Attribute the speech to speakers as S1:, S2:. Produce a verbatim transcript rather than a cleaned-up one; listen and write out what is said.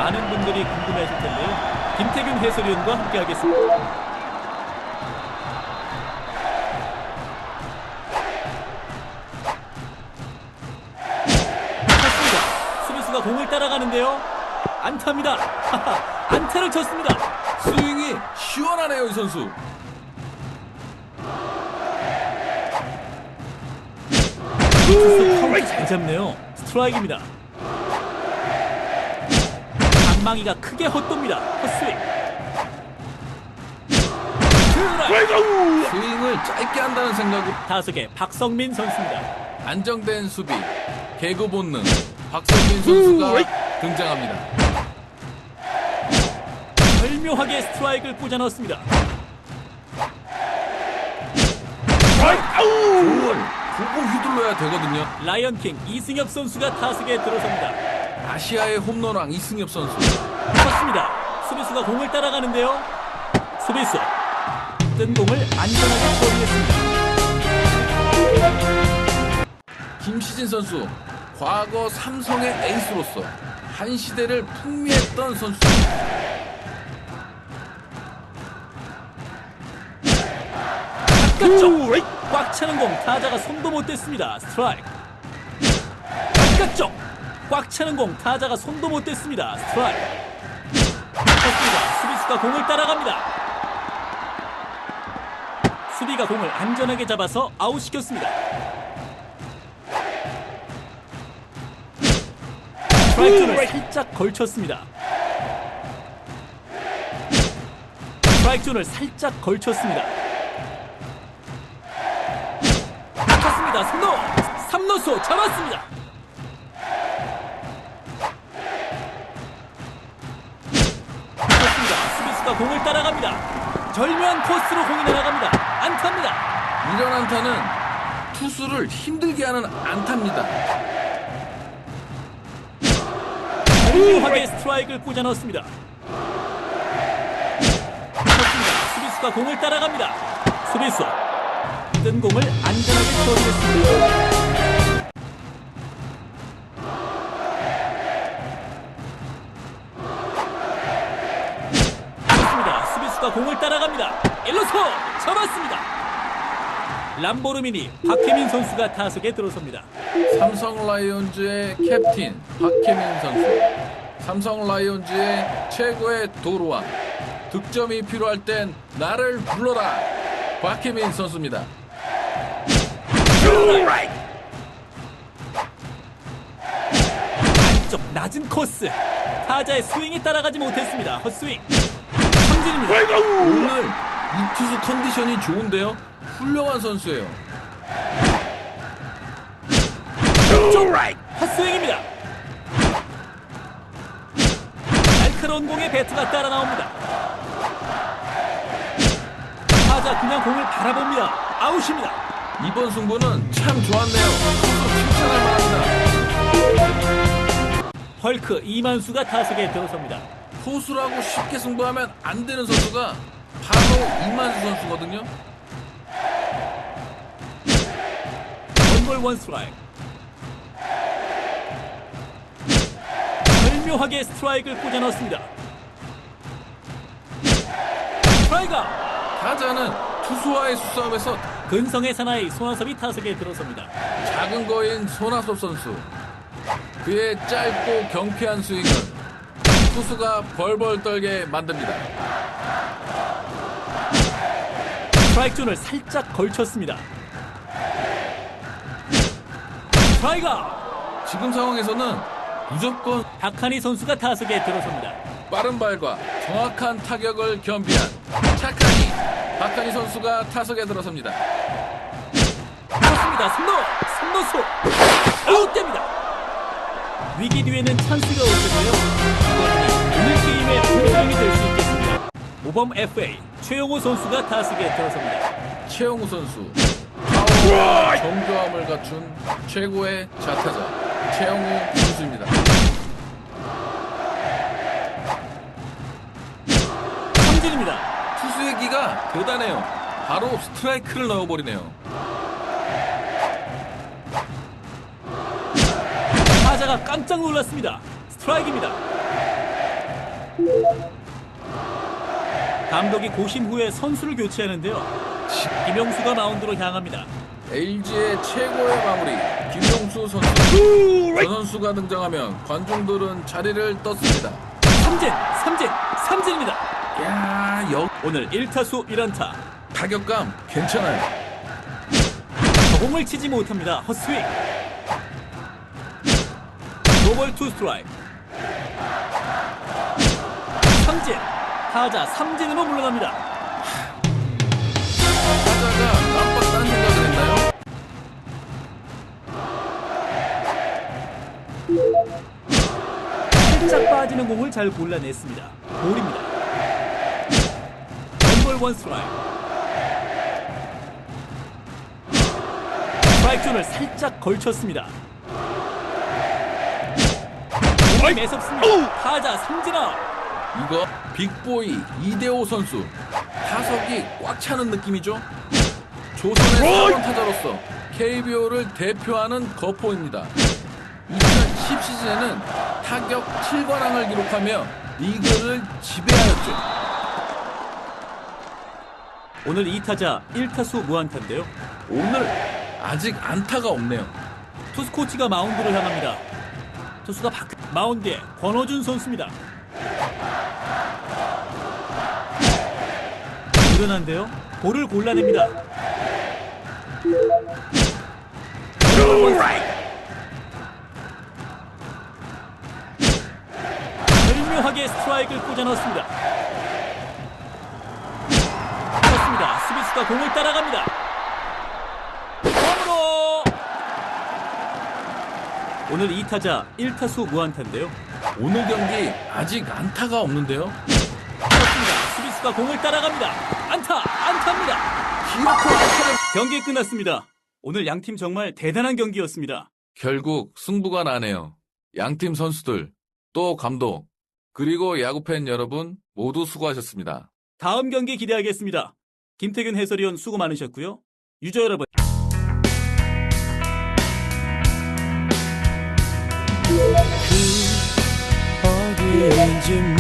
S1: 많은 분들이 궁금해하실 텐데요. 김태균 해설위원과 함께하겠습니다. 공을 따라가는데요. 안타입니다. 안타를 쳤습니다.
S2: 스윙이 시원하네요, 이 선수.
S1: 카운트 잘 잡네요. 스트라이크입니다. 방망이가 크게 헛돕니다. 헛스윙.
S2: 스윙을 짧게 한다는 생각으로
S1: 타석의 박성민 선수입니다.
S2: 안정된 수비, 개그 본능, 박성민 선수가 등장합니다.
S1: 절묘하게 스트라이크를 꽂아 넣었습니다.
S2: 공을 보고 휘둘러야 되거든요.
S1: 라이언킹 이승엽 선수가 타석에 들어섭니다.
S2: 아시아의 홈런왕 이승엽 선수.
S1: 쳤습니다. 수비수가 공을 따라가는데요. 수비수 뜬 공을 안전하게 처리했습니다.
S2: 김시진 선수, 과거 삼성의 에이스로서 한 시대를 풍미했던 선수.
S1: 바깥쪽 꽉 차는 공 타자가 손도 못 댔습니다. 스트라이크. 바깥쪽 꽉 차는 공 타자가 손도 못 댔습니다. 스트라이크. 쳤습니다. 수비수가 공을 따라갑니다. 수비가 공을 안전하게 잡아서 아웃시켰습니다. 스트라이크 존을 살짝 걸쳤습니다. 스트라이크 존을 살짝 걸쳤습니다. 쳤습니다. 삼루! 삼루수 잡았습니다. 쳤습니다. 수비수가 공을 따라갑니다. 절묘한 코스로 공이 날아갑니다. 안타입니다.
S2: 이런 안타는 투수를 힘들게 하는 안타입니다.
S1: 절묘하게 스트라이크를 꽂아 넣었습니다. 쳤습니다. 수비수가 공을 따라갑니다. 수비수 뜬 공을 안전하게 처리했습니다. 쳤습니다. 수비수가 공을 따라갑니다. 일루수 잡았습니다. 람보르미니 박혜민 선수가 타석에 들어섭니다.
S2: 삼성 라이온즈의 캡틴 박혜민 선수. 삼성 라이온즈의 최고의 도루왕. 득점이 필요할 땐 나를 불러라. 박혜민 선수입니다.
S1: 안쪽 낮은 코스. 타자의 스윙이 따라가지 못했습니다. 헛스윙. 삼진입니다.
S2: 오늘 이 투수 컨디션이 좋은데요. 훌륭한 선수예요.
S1: 헛스윙입니다. 날카로운 공에 배트가 따라 나옵니다. 타자 그냥 공을 바라봅니다. 아웃입니다.
S2: 이번 승부는 참 좋았네요. 투수 칭찬할 만합니다.
S1: 헐크 이만수가 타석에 들어섭니다.
S2: 포수라고 쉽게 승부하면 안 되는 선수가 바로 이만수 선수거든요.
S1: 원볼 원 스트라이크. 절묘하게 스트라이크를 꽂아 넣었습니다. 스트라이크.
S2: 타자는 투수와의 수싸움에서
S1: 근성의 사나이 손아섭이 타석에 들어섭니다.
S2: 작은 거인 손아섭 선수. 그의 짧고 경쾌한 스윙은 투수가 벌벌 떨게 만듭니다.
S1: 스트라이크 존을 살짝 걸쳤습니다. 스트라이크.
S2: 지금 상황에서는 무조건
S1: 박한희 선수가 타석에 들어섭니다.
S2: 빠른 발과 정확한 타격을 겸비한 착하니 박한희 선수가 타석에 들어섭니다.
S1: 그렇습니다. 삼루! 삼루수! 아웃됩니다. 위기 뒤에는 찬스가 올 텐데요. 이번이 오늘 게임의 분수령이 될 수 있겠습니다. 모범 에프에이 최용호 선수가 타석에 들어섭니다.
S2: 최용우 선수. 파워와 정교함을 갖춘 최고의 좌타자 최용우 선수입니다.
S1: 삼진입니다.
S2: 투수의 기가 대단해요. 바로 스트라이크를 넣어버리네요.
S1: 타자가 깜짝 놀랐습니다. 스트라이크입니다. 감독이 고심 후에 선수를 교체하는데요. 김용수가 마운드로 향합니다.
S2: 엘지의 최고의 마무리 김용수 선수. 저 선수가 등장하면 관중들은 자리를 떴습니다.
S1: 삼진, 삼진, 삼진입니다.
S2: 야, 역
S1: 오늘 일 타수 일 안타.
S2: 타격감 괜찮아요.
S1: 공을 치지 못합니다. 헛스윙. 노볼 투 스트라이크. 삼진. 타자 삼진으로 물러납니다.
S2: 타자가 깜빡 딴 생각을 했나요?
S1: 살짝 빠지는 공을 잘 골라냈습니다. 볼입니다. 원볼 원 스트라이크. 스트라이크 존을 살짝 걸쳤습니다. 공이 매섭습니다. 타자 삼진 아웃.
S2: 이거 빅보이 이대호 선수. 타석이 꽉 차는 느낌이죠? 조선의 사번 타자로서 케이비오를 대표하는 거포입니다. 이천십 시즌에는 타격 칠 관왕을 기록하며 리그를 지배하였죠.
S1: 오늘 이 타자 일 타수 무안타인데요.
S2: 오늘 아직 안타가 없네요.
S1: 투수 코치가 마운드로 향합니다. 투수가 바뀌... 마운드에 권호준 선수입니다. 유연한데요. 볼을 골라냅니다. 절묘하게 스트라이크를 꽂아 넣었습니다. 그렇습니다. 수비수가 공을 따라갑니다. 홈으로. 오늘 이 타자 일 타수 무안타인데요.
S2: 오늘 경기 아직 안타가 없는데요.
S1: 그렇습니다. 수비수가 공을 따라갑니다. 안타, 안타입니다.
S2: 기어코 안타를
S1: 경기 끝났습니다. 오늘 양팀 정말 대단한 경기였습니다.
S2: 결국 승부가 나네요. 양팀 선수들, 또 감독, 그리고 야구팬 여러분 모두 수고하셨습니다.
S1: 다음 경기 기대하겠습니다. 김태균 해설위원 수고 많으셨고요. 유저 여러분.
S3: 어디인지